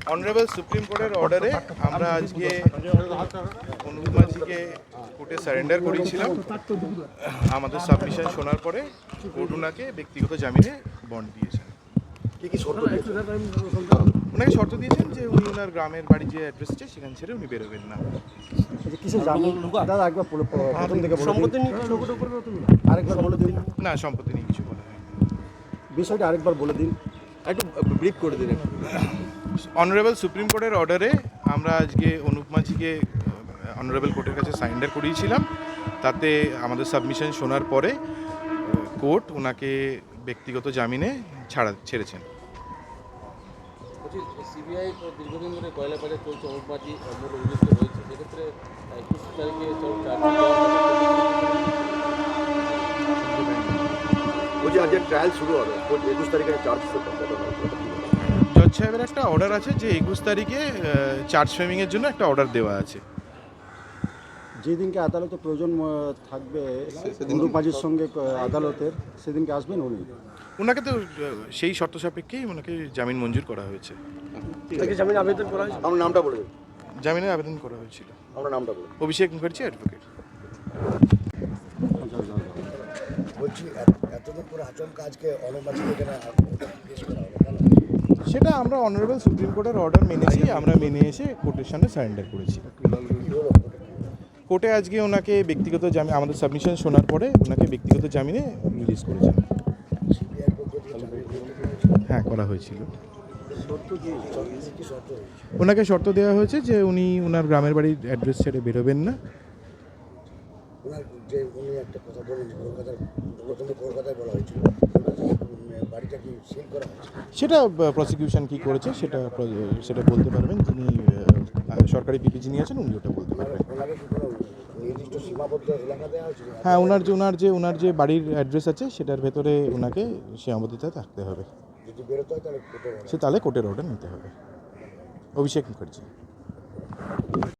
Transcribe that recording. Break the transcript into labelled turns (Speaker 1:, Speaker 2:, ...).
Speaker 1: Honourable supreme কোর্টের অর্ডারে আমরা আজকে অনুপ মাঝিকে কোর্টে সারেন্ডার করেছিলাম। আমাদের সাবমিশন শোনার পরে কোর্ট ওনাকে ব্যক্তিগত জামিনে বন্ড দিয়েছেন। ওনাকে শর্ত দিয়েছেন যে উনি ওনার গ্রামের বাড়ি যে অ্যাড্রেস আছে সেখান ছেড়ে উনি বেরোবেন না। না, সম্পত্তি নিয়ে কিছু বলা হয়নি।
Speaker 2: বিষয়টা আরেকবার বলে দিন,
Speaker 3: একটু ব্রিফ করে দিন।
Speaker 1: অনারেবল সুপ্রিম কোর্টের অর্ডারে আমরা আজকে অনুপ মাঝিকে অনারেবল কোর্টের কাছে সারেন্ডার করিয়েছিলাম। তাতে আমাদের সাবমিশন শোনার পরে কোর্ট ওনাকে ব্যক্তিগত জামিনে ছেড়েছেন।
Speaker 3: সিবিআই দীর্ঘদিন ধরে কয়লা বাজার চলছে, অনুপ মাঝি মূল অভিযুক্ত রয়েছে, সেক্ষেত্রে 21 তারিখে
Speaker 2: আজকে ট্রায়াল শুরু হবে, 21 তারিখে চার্জ
Speaker 1: জজ সাহেবের একটা অর্ডার আছে যে 21 তারিখে চার্জ ফ্রেমিংয়ের জন্য একটা অর্ডার দেওয়া আছে।
Speaker 2: যেদিনকে আদালতে প্রয়োজন থাকবে অনুপ মাঝির সঙ্গে আদালতের, সেদিনকে আসবেন উনি।
Speaker 1: ওনাকে তো সেই শর্ত সাপেক্ষেই ওনাকে জামিন মঞ্জুর করা হয়েছে।
Speaker 2: জামিন আবেদন করা হয়েছে, আমার নামটা বলে দিন।
Speaker 1: জামিনের আবেদন করা হয়েছিল।
Speaker 2: আমার নামটা বলে
Speaker 1: অভিষেক মুখার্জি অ্যাডভোকেট।
Speaker 4: বলছি এতদিন পরে আচমকা আজকে অনুপ মাঝিকে কেন পেশ করা হবে?
Speaker 1: সেটা আমরা অনারেবল সুপ্রিম কোর্টের অর্ডার মেনেছি, আমরা মেনে এসে কোর্টের সামনে সারেন্ডার করেছি। কোর্টে আজকে ওনাকে ব্যক্তিগত জামিন, আমাদের সাবমিশন শোনার পরে ওনাকে ব্যক্তিগত জামিনে রিলিজ করেছেন। হ্যাঁ, করা হয়েছিল। ওনাকে শর্ত দেওয়া হয়েছে যে উনি ওনার গ্রামের বাড়ির অ্যাড্রেস ছেড়ে বেরোবেন না।
Speaker 4: যে উনি একটা কথা বলেন, কলকাতায় বলা হয়েছিল, বাড়িটা কি সিল করা হয়েছে?
Speaker 1: সেটা প্রসিকিউশন কি করেছে সেটা বলতে পারবেন, যিনি সরকারি পিপি যিনি আছেন উনি ওটা বলতে পারবেন।
Speaker 4: ওনাকে কি কোনো নির্দিষ্ট সীমাবদ্ধ এলাকা দেওয়া হয়েছে?
Speaker 1: হ্যাঁ, ওনার যে বাড়ির অ্যাড্রেস আছে সেটার ভেতরে ওনাকে সীমাবদ্ধতায় থাকতে হবে।
Speaker 4: যদি বেরোতে হয় তাহলে
Speaker 1: তাহলে কোর্টের অর্ডার নিতে হবে। অভিষেক মুখার্জি।